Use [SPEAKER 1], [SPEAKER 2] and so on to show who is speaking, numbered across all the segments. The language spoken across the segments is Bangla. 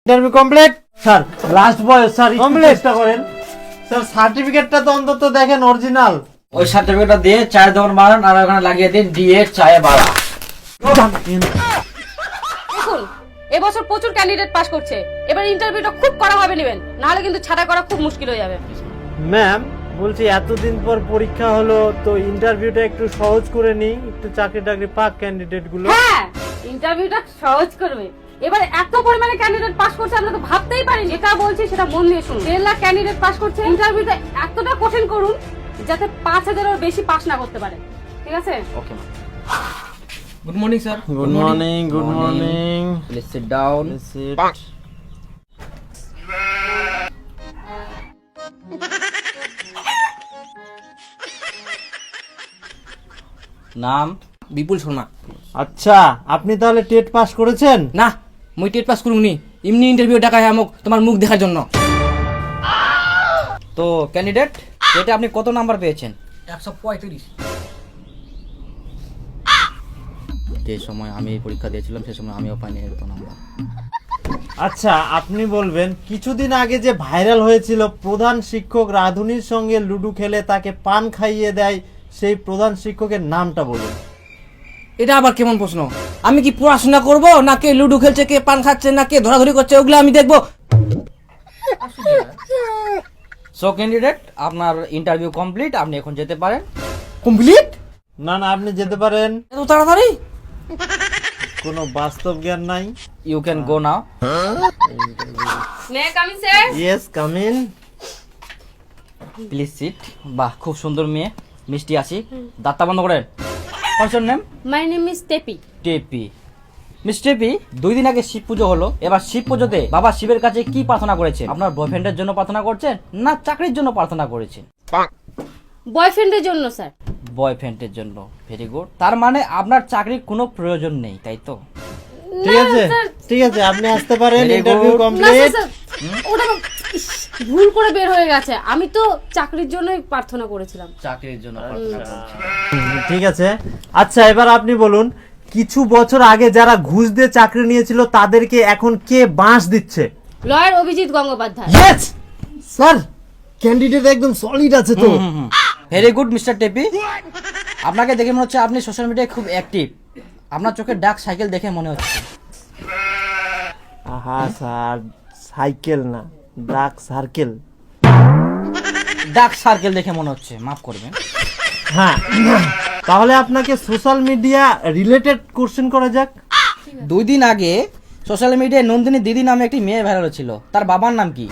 [SPEAKER 1] Interview complete sir. লাস্ট বয়স স্যার, চেষ্টা করেন স্যার। সার্টিফিকেটটা তো অন্তত দেখেন অরিজিনাল।
[SPEAKER 2] ওই সার্টিফিকেটটা দিয়ে চায়ের দোকান মারান আর ওখানে লাগিয়ে দিন ডিএ চায়ে বাড়া।
[SPEAKER 3] দেখুন এবছর প্রচুর ক্যান্ডিডেট পাস করছে, এবার ইন্টারভিউটা খুব কড়া ভাবে নেবেন, নাহলে কিন্তু ছাড়া করা খুব মুশকিল হয়ে যাবে।
[SPEAKER 1] ম্যাম বলছি এতদিন পর পরীক্ষা হলো তো ইন্টারভিউটা একটু সহজ করে নিই, একটু চাকরি টাকরি পাক ক্যান্ডিডেট গুলো।
[SPEAKER 3] হ্যাঁ ইন্টারভিউটা সহজ করবে। এবার এত পরিমাণে ক্যান্ডিডেট পাস করছে আমরা তো ভাবতেই পারি। যেটা বলছি সেটা মন দিয়ে শুনুন। 1.5 লাখ ক্যান্ডিডেট পাস করছে, ইন্টারভিউটা এতটা কঠিন করুন যাতে 5,000-এর বেশি পাস না করতে পারে। ঠিক আছে?
[SPEAKER 2] Okay ma'am. Good morning sir.
[SPEAKER 1] Good morning, good morning.
[SPEAKER 2] Please sit down. নাম বিপুল শর্মা।
[SPEAKER 1] আচ্ছা আপনি তাহলে টেট পাস করেছেন?
[SPEAKER 4] না মুই টেট পাস করুনি, এমনি ইন্টারভিউ ডাকায় আমক তোমার মুখ দেখার জন্য।
[SPEAKER 2] তো ক্যান্ডিডেট এটা আপনি কত নাম্বার পেয়েছেন?
[SPEAKER 4] 135।
[SPEAKER 2] যে সময় আমি এই পরীক্ষা দিয়েছিলাম সে সময় আমিও পাইনি এত নাম্বার।
[SPEAKER 1] আচ্ছা আপনি বলবেন কিছুদিন আগে যে ভাইরাল হয়েছিল প্রধান শিক্ষক রাধুনির সঙ্গে লুডো খেলে তাকে পান খাইয়ে দেয়, সেই প্রধান শিক্ষকের নামটা বলুন।
[SPEAKER 4] এটা আবার কেমন প্রশ্ন? আমি কি পড়াশোনা করব না কে লুডো খেলছে, কে পান খাচ্ছে, না কে ধরাধরি করছে, ওগুলো আমি দেখবো?
[SPEAKER 2] সো ক্যান্ডিডেট আপনার ইন্টারভিউ কমপ্লিট, আপনি এখন যেতে পারেন।
[SPEAKER 4] কমপ্লিট?
[SPEAKER 1] না না আপনি যেতে পারেন।
[SPEAKER 4] এত তাড়াতাড়ি?
[SPEAKER 1] কোনো বাস্তব জ্ঞান নাই।
[SPEAKER 2] You can go now.
[SPEAKER 3] May come in sir?
[SPEAKER 1] Yes come in.
[SPEAKER 2] Please sit. বাহ খুব সুন্দর মেয়ে, মিষ্টি আছি। দাঁতটা বন্ধ করেন। What's your name?
[SPEAKER 3] My name is Tepi.
[SPEAKER 2] Tepi. Miss Tepi, 2 দিন আগে শিব পুজো হলো। এবার শিব পুজোতে বাবা শিবের কাছে কি প্রার্থনা করেছেন? আপনার বয়ফ্রেন্ডের জন্য প্রার্থনা করছেন না চাকরির জন্য প্রার্থনা করেছেন?
[SPEAKER 3] বয়ফ্রেন্ডের জন্য স্যার।
[SPEAKER 2] বয়ফ্রেন্ডের জন্য। Very good. তার মানে আপনার চাকরির কোনো প্রয়োজন নেই, তাই তো?
[SPEAKER 1] ঠিক আছে ঠিক আছে আপনি আসতে পারেন।
[SPEAKER 2] Very
[SPEAKER 1] interview
[SPEAKER 2] good.
[SPEAKER 3] না
[SPEAKER 1] কমপ্লিট।
[SPEAKER 3] স্যার, ওটা ইস, ভুল করে বের হয়ে গেছে। আমি তো চাকরির জন্যই প্রার্থনা করেছিলাম।
[SPEAKER 2] চাকরির জন্য প্রার্থনা করছেন।
[SPEAKER 1] ঠিক আছে। আচ্ছা এবার আপনি বলুন কিছু বছর আগে যারা ঘুষ দিয়ে চাকরি নিয়েছিল তাদেরকে এখন কে বাঁশ দিচ্ছে?
[SPEAKER 3] Lawyer Abhijit Gangopadhyay.
[SPEAKER 1] Yes sir, candidate একদম সলিড আছে তো।
[SPEAKER 2] Very good mister Tepi. আপনাকে দেখে মনে হচ্ছে আপনি সোশ্যাল মিডিয়ায় খুব অ্যাক্টিভ। আপনার চোখে ডাক সাইকেল দেখে মনে হচ্ছে।
[SPEAKER 1] আহা স্যার, সাইকেল না ডাক সার্কেল।
[SPEAKER 2] ডাক সার্কেল দেখে মনে হচ্ছে, মাফ করবেন।
[SPEAKER 1] হ্যাঁ তাহলে আপনাকে সোশ্যাল মিডিয়া রিলেটেড কোশ্চেন করা যাক।
[SPEAKER 2] 2 দিন আগে সোশ্যাল মিডিয়ায় নন্দিনী দিদি নামে একটি মেয়ে ভাইরাল ছিল, তার বাবার নাম কি?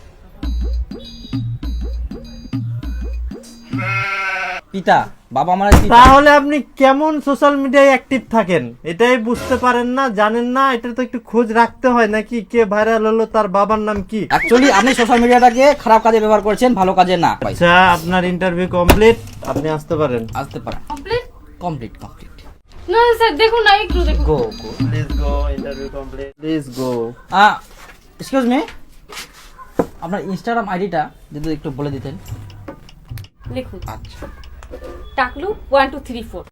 [SPEAKER 2] পিতা। বাবা মানে পিতা।
[SPEAKER 1] তাহলে আপনি কেমন সোশ্যাল মিডিয়ায় অ্যাক্টিভ থাকেন এটাই বুঝতে পারেন না, জানেন না? এটা তো একটু খোঁজ রাখতে হয় নাকি, কে ভাইরাল হলো তার বাবার নাম কি?
[SPEAKER 2] অ্যাকচুয়ালি আপনি সোশ্যাল মিডিয়াটাকে খারাপ কাজে ব্যবহার করছেন, ভালো কাজে না।
[SPEAKER 1] আচ্ছা আপনার ইন্টারভিউ কমপ্লিট, আপনি আসতে পারেন।
[SPEAKER 2] আসতে পারেন।
[SPEAKER 3] কমপ্লিট?
[SPEAKER 2] Complete complete.
[SPEAKER 3] না স্যার দেখুন না, একটু দেখুন।
[SPEAKER 2] Go go.
[SPEAKER 1] Please go, interview complete, please go.
[SPEAKER 2] Excuse me, আপনার ইনস্টাগ্রাম আইডিটা যদি একটু বলে দিতেন।
[SPEAKER 3] লিখুন
[SPEAKER 2] আচ্ছা।
[SPEAKER 3] টাকলু 1 2 3 4।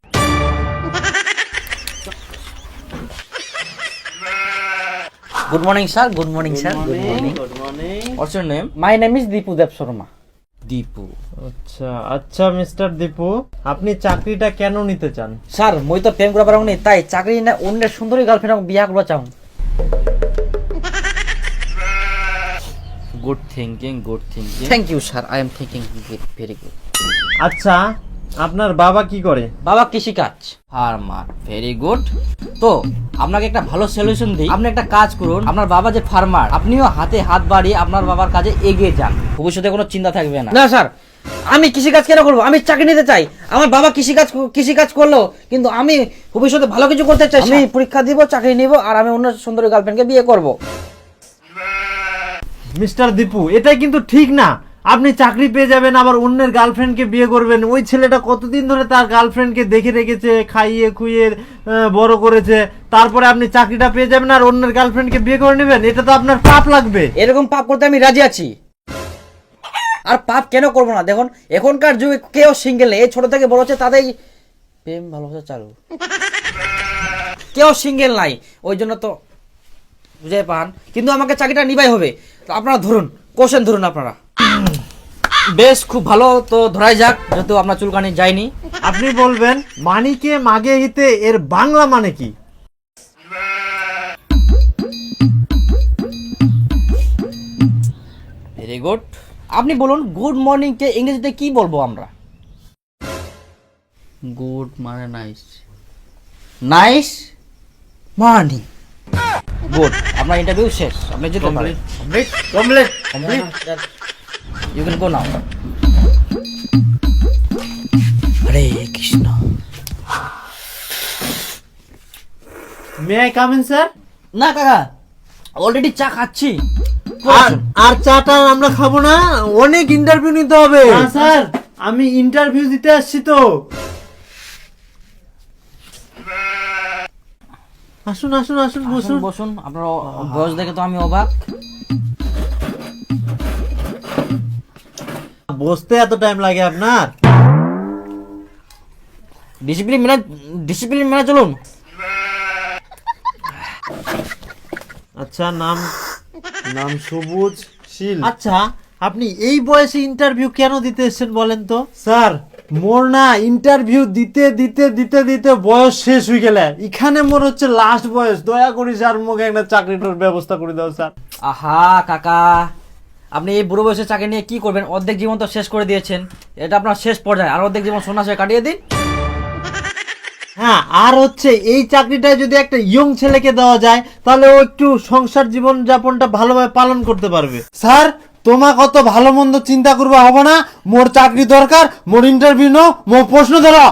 [SPEAKER 2] Good morning sir. Good morning sir. Good morning.
[SPEAKER 1] Good morning.
[SPEAKER 2] What's your name? My name is Dipu Deb Sharma. Dipu.
[SPEAKER 1] আচ্ছা আচ্ছা মিস্টার দীপু, আপনি চাকরিটা কেন নিতে চান?
[SPEAKER 2] স্যার মই তো প্রেম করা পারং নি, তাই চাকরি না অন্যের সুন্দরী গার্লফ্রেন্ড বিয়া করবা চাও। Good thinking, good thinking. Thank you sir, I am thinking very good.
[SPEAKER 1] আচ্ছা আপনার বাবা কি করে?
[SPEAKER 2] বাবা কৃষিকাজ, ফার্মার। Very good. তো আপনাকে একটা ভালো সলিউশন দিই। আপনি একটা কাজ করুন, আপনার বাবা যে ফার্মার, আপনিও হাতে হাত বাড়িয়ে আপনার বাবার কাজে এগিয়ে যান, ভবিষ্যতে কোনো চিন্তা থাকবে না।
[SPEAKER 4] না স্যার, আমি কৃষিকাজ কেন করবো? আমি চাকরি নিতে চাই। আমার বাবা কৃষিকাজ করলো, কিন্তু আমি ভবিষ্যতে ভালো কিছু করতে চাই। আমি পরীক্ষা দিব, চাকরি নিব, আর আমি অন্য সুন্দরী গার্লফ্রেন্ডকে বিয়ে করব।
[SPEAKER 1] মিস্টার দীপু এটাই কিন্তু ঠিক না। আপনি চাকরি পেয়ে যাবেন আবার অন্যের গার্লফ্রেন্ডকে বিয়ে করবেন। ওই ছেলেটা কতদিন ধরে তার গার্লফ্রেন্ডকে দেখে রেখেছে, খাইয়ে খুইয়ে বড় করেছে, তারপরে আপনি চাকরিটা পেয়ে যাবেন আর অন্যের গার্লফ্রেন্ডকে বিয়ে করে নেবেন? এটা তো আপনার পাপ লাগবে।
[SPEAKER 4] এরকম পাপ করতে আমি রাজি আছি। আর পাপ কেন করবো না? দেখুন এখনকার যুগে কেউ সিঙ্গেল নেই, এই ছোট থেকে বড় হচ্ছে তাদের প্রেম ভালোবাসা চালু, কেউ সিঙ্গেল নাই। ওই জন্য তো বুঝে পান, কিন্তু আমাকে চাকরিটা নিবাই হবে। তো আপনারা ধরুন, কোশ্চেন ধরুন আপনারা।
[SPEAKER 2] বেশ, খুব ভালো, তো ধরাই যাক, যেহেতু আপনার চুলকানি যায়নি।
[SPEAKER 1] আপনি বলবেন মানিকে মাগে হিতে এর বাংলা মানে কি?
[SPEAKER 2] Very good. আপনি বলুন গুড মর্নিং কে ইংরেজিতে কি বলবো আমরা?
[SPEAKER 4] গুড মানে নাইস, নাইস মর্নিং।
[SPEAKER 2] গুড, আপনার ইন্টারভিউ শেষ, আপনি যেতে পারেন।
[SPEAKER 1] Complete.
[SPEAKER 2] You can go now. Hare Krishna.
[SPEAKER 1] May I come in sir?
[SPEAKER 2] না কাকা, অলরেডি চা খাচ্ছি।
[SPEAKER 1] আর চাটা আমরা খাবো না, অনেক ইন্টারভিউ নিতে হবে। স্যার আমি ইন্টারভিউ দিতে আসছি তো। আসুন আসুন আসুন বসুন।
[SPEAKER 2] বসুন বসুন, আপনার বয়স দেখে তো আমি অবাক।
[SPEAKER 1] বসতে এত টাইম লাগে আপনার?
[SPEAKER 2] ডিসিপ্লিন মেনে চলুন।
[SPEAKER 1] আচ্ছা, নাম নাম সবুজ শীল। আচ্ছা, আপনি এই বয়সে ইন্টারভিউ কেন দিতে এসেছেন বলেন তো? স্যার মোর না ইন্টারভিউ দিতে দিতে দিতে দিতে বয়স শেষ হয়ে গেলে, এখানে মোর হচ্ছে লাস্ট বয়স। দয়া করি স্যার মুখে একটা চাকরিটার ব্যবস্থা করে দাও স্যার।
[SPEAKER 2] আহা কাকা, আপনি এই বুড়ো বয়সে চাকরি নিয়ে কি করবেন? অর্ধেক জীবন তো শেষ করে দিয়েছেন, এটা আপনার শেষ পর্যায়ে, আর অর্ধেক জীবন সন্ন্যাসে কাটিয়ে দিন।
[SPEAKER 1] হ্যাঁ, আর হচ্ছে এই চাকরিটা যদি একটা ইয়ং ছেলেকে দেওয়া যায়, তাহলে ও একটু সংসার জীবন যাপনটা ভালোভাবে পালন করতে পারবে। স্যার তোমার কত ভালো মন্দ চিন্তা করবা হবে না, মোর চাকরি দরকার, মোর ইন্টারভিউ নো, মোর প্রশ্ন ধরো।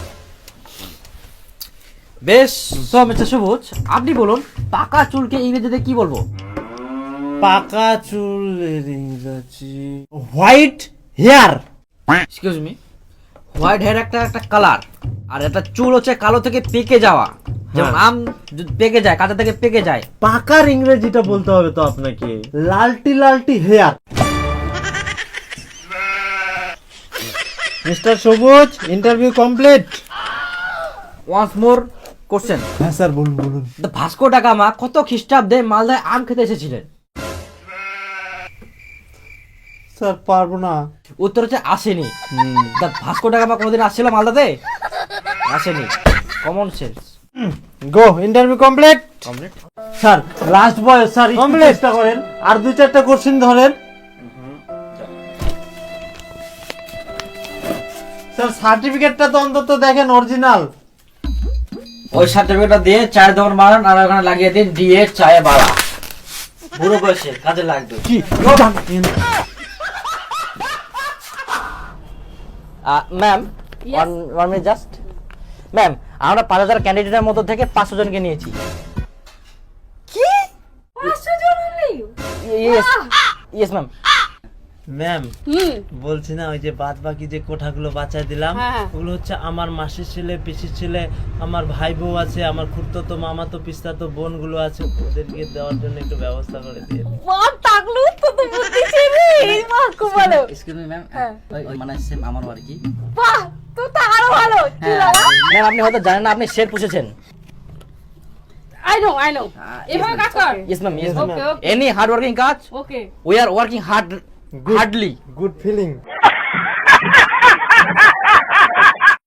[SPEAKER 2] বেশ, সো মিস্টার সবুজ, আপনি বলুন পাকা চুলকে ইংরেজিতে কি বলবো?
[SPEAKER 1] পাকা চুলের ইংরেজি white hair.
[SPEAKER 2] Excuse me, white hair একটা একটা কালার, আর একটা চুল হচ্ছে কালো থেকে পেকে যাওয়া। যেমন আম পেকে যায়, কাঁচা থেকে পেকে যায়।
[SPEAKER 1] পাকার ইংরেজিটা বলতে হবে তো আপনাকে, লালটি লালটি hair. Mister Sabuj, interview complete.
[SPEAKER 2] Once more question.
[SPEAKER 1] হ্যাঁ স্যার, বলুন বলুন।
[SPEAKER 2] দ্য ভাস্কো ডা গামা কত খ্রিস্টাব্দে মালদায় আম খেতে এসেছিলেন?
[SPEAKER 1] স্যার পারবো না।
[SPEAKER 2] উত্তর হচ্ছে আসেনি। দ্য ভাস্কো ডা গামা কোনোদিন আসছিল মালদাতে? আসেনি। Common sense.
[SPEAKER 1] Go, interview complete.
[SPEAKER 2] Complete.
[SPEAKER 1] Sir last বয়স স্যার, কমপ্লিট চেষ্টা করেন, আর দুই চারটা কোশ্চেন ধরেন। স্যার সার্টিফিকেটটা তো অন্তত দেখেন অরিজিনাল।
[SPEAKER 2] ওই সার্টিফিকেটটা দিয়ে চায়ের দোকান বানান, আর ওখানে লাগিয়ে দিন দিয়ে চায়ে বাড়া। বুড়ো বয়সে কাজে লাগবে।
[SPEAKER 1] কি
[SPEAKER 2] ma'am,
[SPEAKER 3] Yes.
[SPEAKER 2] One minute just. Ma'am, আমরা 5000 ক্যান্ডিডেটের মধ্যে থেকে 500 জনকে নিয়েছি।
[SPEAKER 3] কি 500 জন only?
[SPEAKER 2] Yes yes ma'am.
[SPEAKER 1] Ma'am
[SPEAKER 3] hmm,
[SPEAKER 1] বলছি না, ওই যে বাদ বাকি যে কোঠাগুলো বাঁচায় দিলাম,
[SPEAKER 3] হ্যাঁ।
[SPEAKER 1] ওগুলো হচ্ছে আমার মাসির ছেলে, পিসির ছেলে, আমার ভাই বউ আছে, আমার খুড়তো মামাতো পিস্তাতো বোনগুলো আছে, ওদেরকে দেওয়ার জন্য একটু ব্যবস্থা করে দিয়ে।
[SPEAKER 3] মা টাকলু তো বুদ্ধি ছেড়ে এই মা খুব ভালো।
[SPEAKER 2] এক্সকিউজ মি ম্যাম,
[SPEAKER 3] হ্যাঁ।
[SPEAKER 2] ওই মানে সেম আমারও আর কি।
[SPEAKER 3] বাহ, তো আরো ভালো। কি লাগা?
[SPEAKER 2] ম্যাম, আপনি হয়তো জানেন না, আপনি শের পুষেছেন।
[SPEAKER 3] I know. এভাবে কাজ কর।
[SPEAKER 2] Yes ma'am, yes
[SPEAKER 3] Okay,
[SPEAKER 2] ma'am.
[SPEAKER 3] okay.
[SPEAKER 2] Any hard working কাজ,
[SPEAKER 3] okay.
[SPEAKER 2] We are working hardly.
[SPEAKER 1] Good feeling.